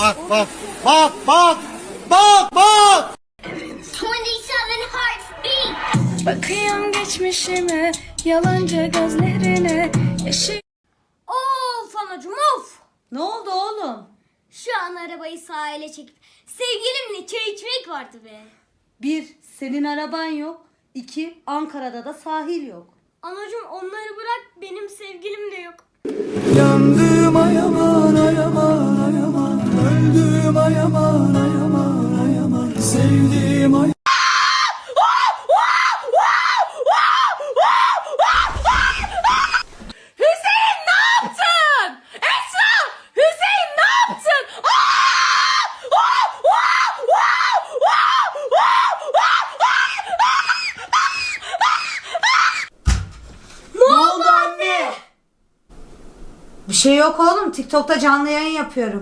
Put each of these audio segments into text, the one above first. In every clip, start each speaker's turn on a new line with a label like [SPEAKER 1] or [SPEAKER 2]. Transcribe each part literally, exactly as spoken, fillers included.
[SPEAKER 1] bak bak bak bak bak bak.
[SPEAKER 2] twenty-seven hearts beat.
[SPEAKER 3] Bakıyorum geçmişime, yalancı gözlerine, yaşı...
[SPEAKER 2] Of anacım of.
[SPEAKER 4] Ne oldu oğlum?
[SPEAKER 2] Şu an arabayı sahile çekip sevgilimle çay içmek vardı be.
[SPEAKER 4] Bir, senin araban yok. İki, Ankara'da da sahil yok.
[SPEAKER 2] Anacım onları bırak, benim sevgilim de yok.
[SPEAKER 5] Yandım ayaman ayaman ayaman, öldüm ayaman ayaman ayaman, sevdiğim ay.
[SPEAKER 3] Hüseyin ne yaptın? Esra! Hüseyin ne yaptın?
[SPEAKER 4] Ne oldu anne? Bir şey yok oğlum. TikTok'ta canlı yayın yapıyorum.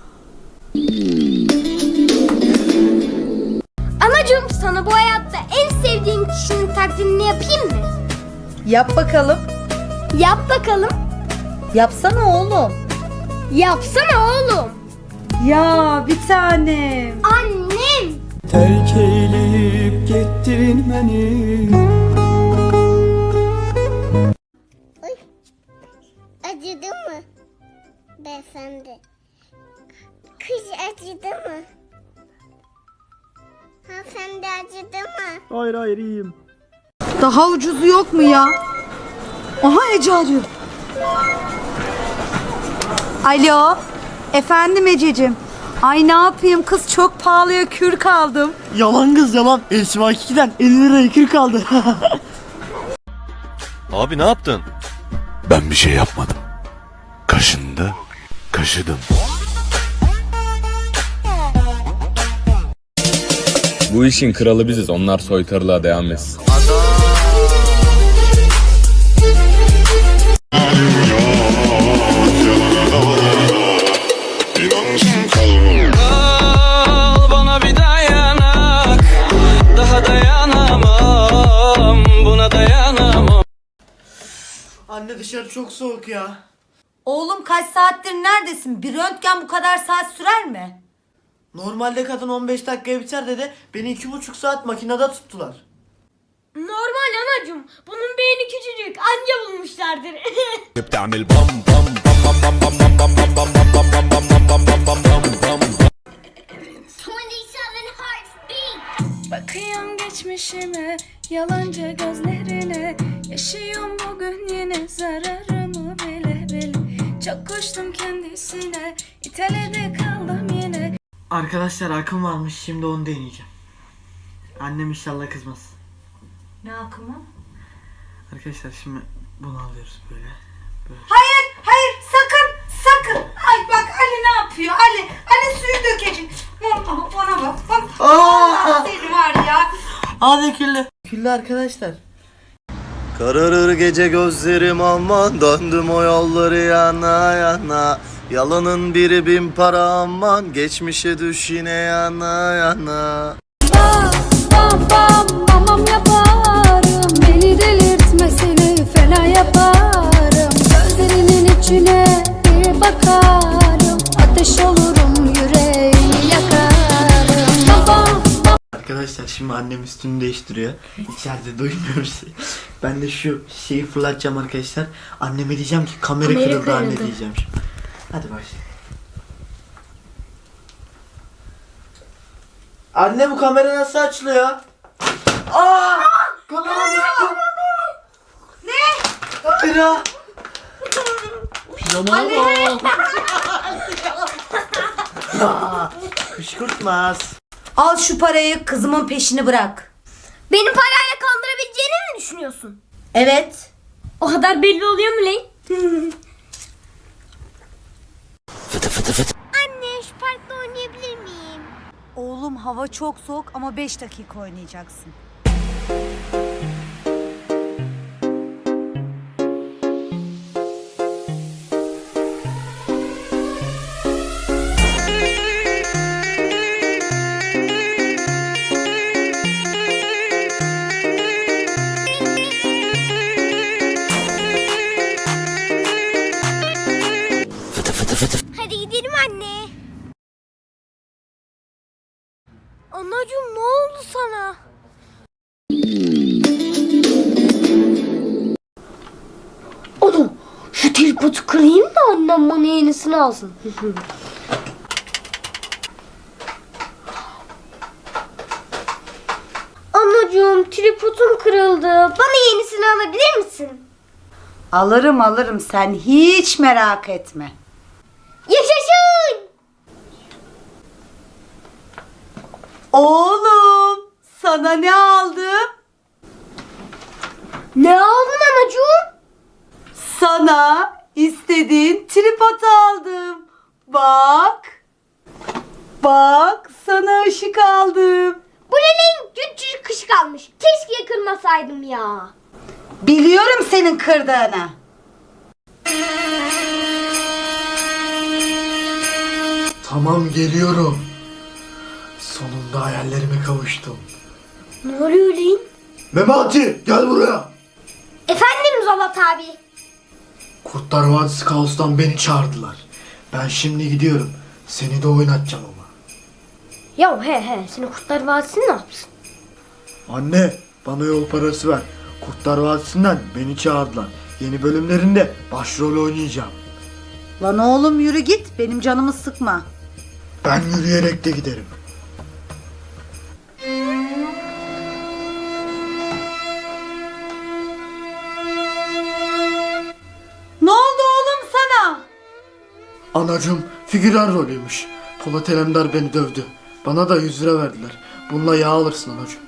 [SPEAKER 2] Anacım sana bu hayatta en sevdiğin kişinin taklidini yapayım mı?
[SPEAKER 4] Yap bakalım.
[SPEAKER 2] Yap bakalım.
[SPEAKER 4] Yapsana oğlum.
[SPEAKER 2] Yapsana oğlum.
[SPEAKER 4] Ya bir tanem.
[SPEAKER 2] Annem.
[SPEAKER 5] Terk eyleyip gittin beni.
[SPEAKER 6] Acıdı mı beyefendi? Kız acıdı mı? Hanımefendi acıdı mı?
[SPEAKER 5] Hayır hayır iyiyim.
[SPEAKER 4] Daha ucuzu yok mu ya? Aha Ece arıyor. Alo. Efendim Ececiğim. Ay ne yapayım kız, çok pahalıya kür kaldım.
[SPEAKER 1] Yalan kız yalan. Esma ikiden elli liraya kül kaldı.
[SPEAKER 7] Abi ne yaptın?
[SPEAKER 8] Ben bir şey yapmadım. Kaşındı, kaşıdım.
[SPEAKER 9] Bu işin kralı biziz. Onlar soytarılığa devam etsin.
[SPEAKER 5] Al bana bir dayanak, daha dayanamam, buna dayanamam.
[SPEAKER 1] Anne dışarı çok soğuk ya.
[SPEAKER 4] Oğlum kaç saattir neredesin? Bir röntgen bu kadar saat sürer mi?
[SPEAKER 1] Normalde kadın on beş dakikaya biter dedi. Beni iki buçuk saat makinede tuttular.
[SPEAKER 2] Normal anacım. Bunun beyni küçücük. Anca bulmuşlardır.
[SPEAKER 8] بتعمل بام بام بام بام بام بام بام بام بام بام بام بام bam bam bam bam bam.
[SPEAKER 2] twenty-seven hearts beat.
[SPEAKER 3] Bakıyorum geçmişime, yalancı gözlerine, yaşıyorum bugün yine zararımı bile bile. Çok koştum kendisine, İtalya'da kaldım yine.
[SPEAKER 1] Arkadaşlar akım varmış, şimdi onu deneyeceğim. Annem inşallah kızmaz.
[SPEAKER 4] Ne akımı?
[SPEAKER 1] Arkadaşlar şimdi bunu alıyoruz böyle. böyle.
[SPEAKER 4] Hayır, hayır, sakın, sakın. Ay bak Ali ne yapıyor? Ali, Ali suyu dökecek. Bana, bana bak. Bana. Allah seni var ya.
[SPEAKER 1] Hadi küllü. Küllü arkadaşlar.
[SPEAKER 7] Kararır gece gözlerim aman, döndüm o yolları yana yana. Yalanın biri bin para aman, geçmişe düş yine yana yana.
[SPEAKER 3] Bam bam bam yaparım, beni delirtmesini fena yaparım. Gözlerinin içine bir bakarım, ateş olurum yüreğini yakarım. Bam bam.
[SPEAKER 1] Arkadaşlar şimdi annem üstünü değiştiriyor. İçeride duymuyoruz. Ben de şu şeyi fırlatacağım arkadaşlar. Anneme diyeceğim ki kamera,
[SPEAKER 2] Kamera
[SPEAKER 1] kırıldı anne
[SPEAKER 2] kırıldı.
[SPEAKER 1] diyeceğim şimdi. Hadi başlayalım. Anne bu kamera nasıl açılıyor? Aa! Kamera düştü. Ne? Kamera. Pijama. Aa, kışkırtmaz.
[SPEAKER 4] Al şu parayı, kızımın peşini bırak.
[SPEAKER 2] Beni parayla kandırabileceğini mi düşünüyorsun?
[SPEAKER 4] Evet.
[SPEAKER 2] O kadar belli oluyor mu lan?
[SPEAKER 6] Anne şu parkta oynayabilir miyim?
[SPEAKER 4] Oğlum hava çok soğuk ama beş dakika oynayacaksın.
[SPEAKER 6] Hadi gidelim anne.
[SPEAKER 2] Şu tripodu kırayım da annem bana yenisini alsın. Anacığım tripodum kırıldı. Bana yenisini alabilir misin?
[SPEAKER 4] Alırım alırım, sen hiç merak etme.
[SPEAKER 2] Yaşasın!
[SPEAKER 4] Oğlum, sana ne aldım?
[SPEAKER 2] Ne aldın anacığım?
[SPEAKER 4] Sana istediğin tripod aldım. Bak. Bak, sana ışık aldım.
[SPEAKER 2] Bu neyin küçücük kış kalmış. Keşke kırmasaydım ya.
[SPEAKER 4] Biliyorum senin kırdığını.
[SPEAKER 1] Tamam, geliyorum. Sonunda hayallerime kavuştum.
[SPEAKER 2] Ne oluyor lan?
[SPEAKER 1] Memati, gel buraya.
[SPEAKER 2] Efendim Zolat abi.
[SPEAKER 1] Kurtlar Vadisi Kaos'tan beni çağırdılar. Ben şimdi gidiyorum. Seni de oynatacağım ama.
[SPEAKER 2] Ya he he, seni Kurtlar Vadisi ne yapsın?
[SPEAKER 1] Anne, bana yol parası ver. Kurtlar Vadisi'nden beni çağırdılar. Yeni bölümlerinde başrol oynayacağım.
[SPEAKER 4] Lan oğlum yürü git, benim canımı sıkma.
[SPEAKER 1] Ben yürüyerek de giderim.
[SPEAKER 4] Ne oldu oğlum sana?
[SPEAKER 1] Anacığım figüran rolüymüş. Polat Alemdar beni dövdü. Bana da yüz lira verdiler. Bununla yağ alırsın anacığım.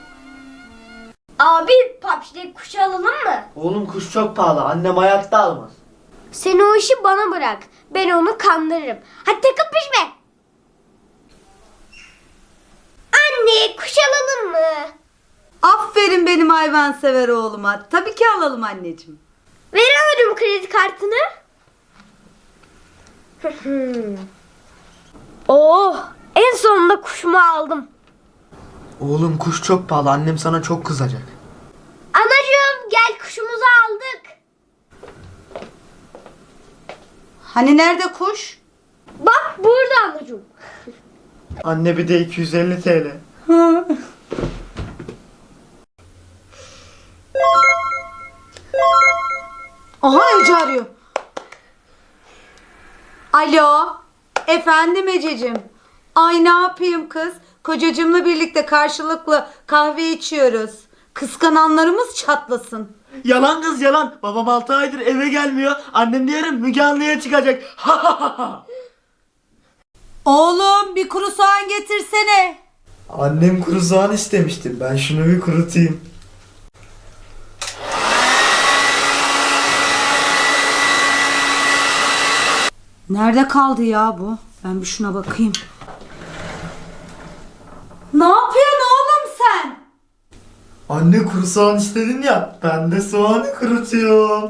[SPEAKER 2] Abi papşide kuş alalım mı?
[SPEAKER 1] Oğlum kuş çok pahalı. Annem hayatta almaz.
[SPEAKER 2] Sen o işi bana bırak. Ben onu kandırırım. Hadi takıp pişme. Anne kuş alalım mı?
[SPEAKER 4] Aferin benim hayvansever oğluma. Tabii ki alalım anneciğim.
[SPEAKER 2] Veremedim kredi kartını. Oh, en sonunda kuşumu aldım.
[SPEAKER 1] Oğlum kuş çok pahalı. Annem sana çok kızacak.
[SPEAKER 2] Anacığım gel kuşumuzu aldık.
[SPEAKER 4] Hani nerede kuş?
[SPEAKER 2] Bak burada anacığım.
[SPEAKER 1] Anne bir de iki yüz elli TL.
[SPEAKER 4] Aha Ece arıyor. Alo. Efendim Ececiğim. Ay ne yapayım kız? Kocacığımla birlikte karşılıklı kahve içiyoruz. Kıskananlarımız çatlasın.
[SPEAKER 1] Yalan kız yalan. Babam altı aydır eve gelmiyor. Annem de yarın Müge Anlı'ya çıkacak. Ha ha ha ha.
[SPEAKER 4] Oğlum bir kuru soğan getirsene.
[SPEAKER 1] Annem kuru soğan istemişti. Ben şunu bir kurutayım.
[SPEAKER 4] Nerede kaldı ya bu? Ben bir şuna bakayım. Ne yapıyorsun oğlum sen?
[SPEAKER 1] Anne kuru soğan istedin ya. Ben de soğanı kurutuyorum.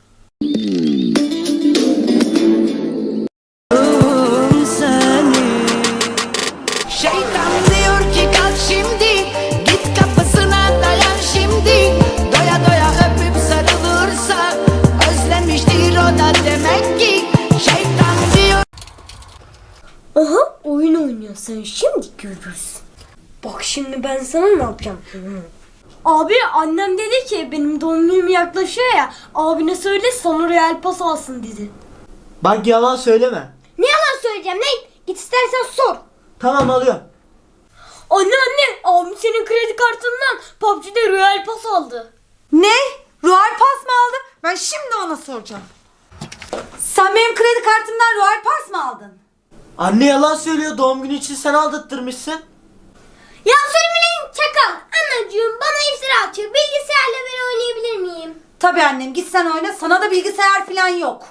[SPEAKER 10] Şeytan diyor ki kalk şimdi, git kapısına dayan şimdi. Doya doya öpüp sarılırsa özlemiştir o da demek ki. Şeytan diyor.
[SPEAKER 2] Aha oyun oynuyor, sen şimdi görürsün. Bak şimdi ben sana ne yapacağım. Abi annem dedi ki benim doğum günüm yaklaşıyor ya, abine söyle sana Real Pas alsın dedi.
[SPEAKER 1] Bak yalan söyleme.
[SPEAKER 2] Ne yalan söyleyeceğim lan, git istersen sor.
[SPEAKER 1] Tamam alıyorum.
[SPEAKER 2] Anne anne, abim senin kredi kartından P U B G'de Real Pas aldı.
[SPEAKER 4] Ne? Royal Pass mı aldın? Ben şimdi ona soracağım. Sen benim kredi kartımdan Royal Pass mı aldın?
[SPEAKER 1] Anne yalan söylüyor. Doğum günü için sen aldırtmışsın.
[SPEAKER 2] Ya söylemeyin çakal. Anacığım bana iftira atıyor. Bilgisayarla ben oynayabilir miyim?
[SPEAKER 4] Tabii annem, git sen oyna, sana da bilgisayar falan yok.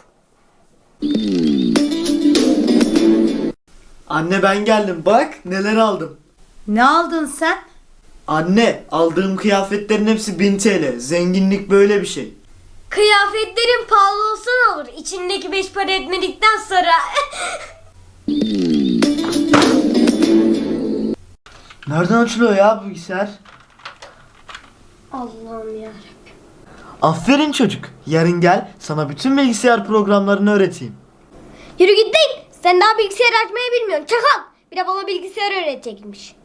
[SPEAKER 1] Anne ben geldim. Bak neler aldım.
[SPEAKER 4] Ne aldın sen?
[SPEAKER 1] Anne aldığım kıyafetlerin hepsi bin TL. Zenginlik böyle bir şey.
[SPEAKER 2] Kıyafetlerin pahalı olsa ne olur? İçindeki beş para etmedikten sonra.
[SPEAKER 1] Nereden açılıyor ya bu bilgisayar?
[SPEAKER 2] Allah'ım yarabbim.
[SPEAKER 1] Aferin çocuk. Yarın gel sana bütün bilgisayar programlarını öğreteyim.
[SPEAKER 2] Yürü git değil. Sen daha bilgisayar açmayı bilmiyorsun. Çakal. Bir de bana bilgisayar öğretecekmiş.